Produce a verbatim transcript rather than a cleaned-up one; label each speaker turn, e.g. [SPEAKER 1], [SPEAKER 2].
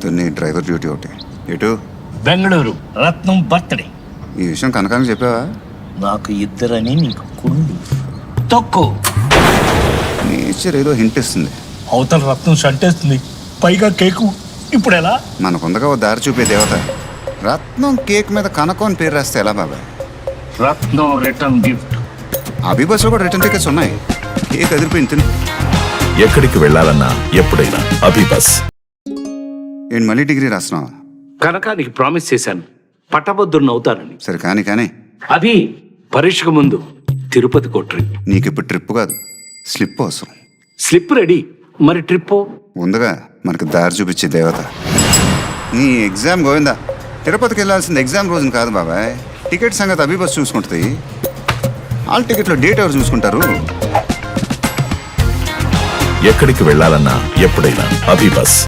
[SPEAKER 1] పొద్దున్నే driver duty ఒకటి. ఎటు?
[SPEAKER 2] బెంగళూరు రత్నం బర్త్డే.
[SPEAKER 1] ఈ విషయం కనకానికి చెప్పావా?
[SPEAKER 2] నాకు ఇద్దరని నీకు కుళ్ళు తక్కువ.
[SPEAKER 1] నేచర్ ఏదో హింట్ ఇస్తుంది.
[SPEAKER 2] అవతల రత్నం షంటేస్తుంది, పైగా కేకు. ఇప్పుడు ఎలా?
[SPEAKER 1] మనకుందగా ఓ దారి చూపే దేవత. రత్నం కేక్ మీద కనకం అని పేరు రాస్తే ఎలా బాబాయ్?
[SPEAKER 2] రత్నం రిటర్న్ గిఫ్ట్.
[SPEAKER 1] అభి బస్సులో కూడా రిటర్న్ టికెట్స్ ఉన్నాయి. కేక్ అదిరిపోయింది తిను.
[SPEAKER 3] ఎక్కడికి వెళ్ళాలన్నా ఎప్పుడైనా అభిబస్.
[SPEAKER 1] ఏంటి మళ్ళీ డిగ్రీ రాస్తున్నావా?
[SPEAKER 4] కనకానికి ప్రామిస్ చేశాను, పట్టభద్రుని అవుతానని.
[SPEAKER 1] సరే కానీ కానీ
[SPEAKER 4] అభి పరీక్షకు ముందు తిరుపతి కొట్రి.
[SPEAKER 1] నీకు ఇప్పుడు ట్రిప్ కాదు, స్లిప్ అవసరం.
[SPEAKER 4] స్లిప్ రెడీ, మరి ట్రిప్
[SPEAKER 1] ఉందిగా మనకు దారి చూపించే దేవత. నీ ఎగ్జామ్ గోవిందా. తిరుపతికి వెళ్ళాల్సింది ఎగ్జామ్ రోజున కాదు బాబాయ్. టికెట్ సంగతి అభి బస్ చూసుకుంటుంది. ఆల్ టికెట్లో డేట్ ఎవరు చూసుకుంటారు?
[SPEAKER 3] ఎక్కడికి వెళ్ళాలన్నా ఎప్పుడైనా అభిబస్.